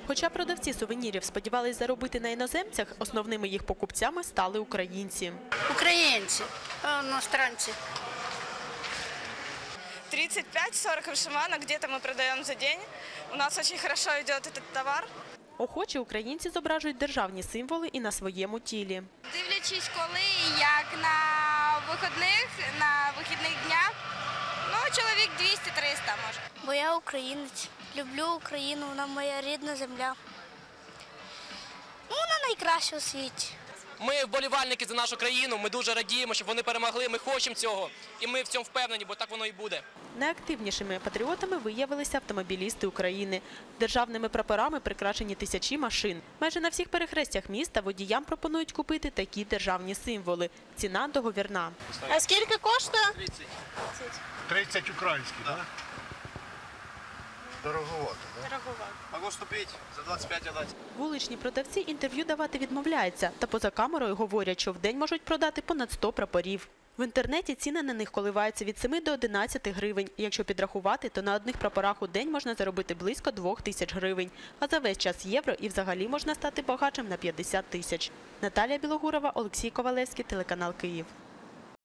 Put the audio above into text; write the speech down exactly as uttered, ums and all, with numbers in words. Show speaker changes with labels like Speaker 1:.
Speaker 1: Хоча продавці сувенірів сподівались заробити на іноземцях, основними їх покупцями стали українці.
Speaker 2: Українці, іностранці.
Speaker 3: тридцать пять сорок вышиванок где-то мы продаем за день. У нас очень хорошо идет этот товар.
Speaker 1: Охочі українці зображують державні символи і на своєму тілі.
Speaker 4: Дивлячись, коли і як на вихідних, на вихідних днях, ну, чоловік двісті-триста може.
Speaker 5: Бо я українець, люблю Україну, вона моя рідна земля. Ну, вона найкраща у світі.
Speaker 6: Ми вболівальники за нашу країну, ми дуже радіємо, щоб вони перемогли, ми хочемо цього. І ми в цьому впевнені, бо так воно і буде.
Speaker 1: Найактивнішими патріотами виявилися автомобілісти України. Державними прапорами прикрашені тисячі машин. Майже на всіх перехрестях міста водіям пропонують купити такі державні символи. Ціна договірна.
Speaker 5: А скільки коштує?
Speaker 6: тридцять.
Speaker 7: тридцять українських, так? Дороговато, так?
Speaker 6: Могу вступити, за двадцять п'ять дати.
Speaker 1: Вуличні продавці інтерв'ю давати відмовляються, та поза камерою говорять, що в день можуть продати понад сто прапорів. В інтернеті ціни на них коливаються від семи до одинадцяти гривень. Якщо підрахувати, то на одних прапорах у день можна заробити близько двох тисяч гривень. А за весь час євро і взагалі можна стати багатшим на п'ятдесят тисяч. Наталія Білогурова, Олексій Ковалевський, телеканал Київ.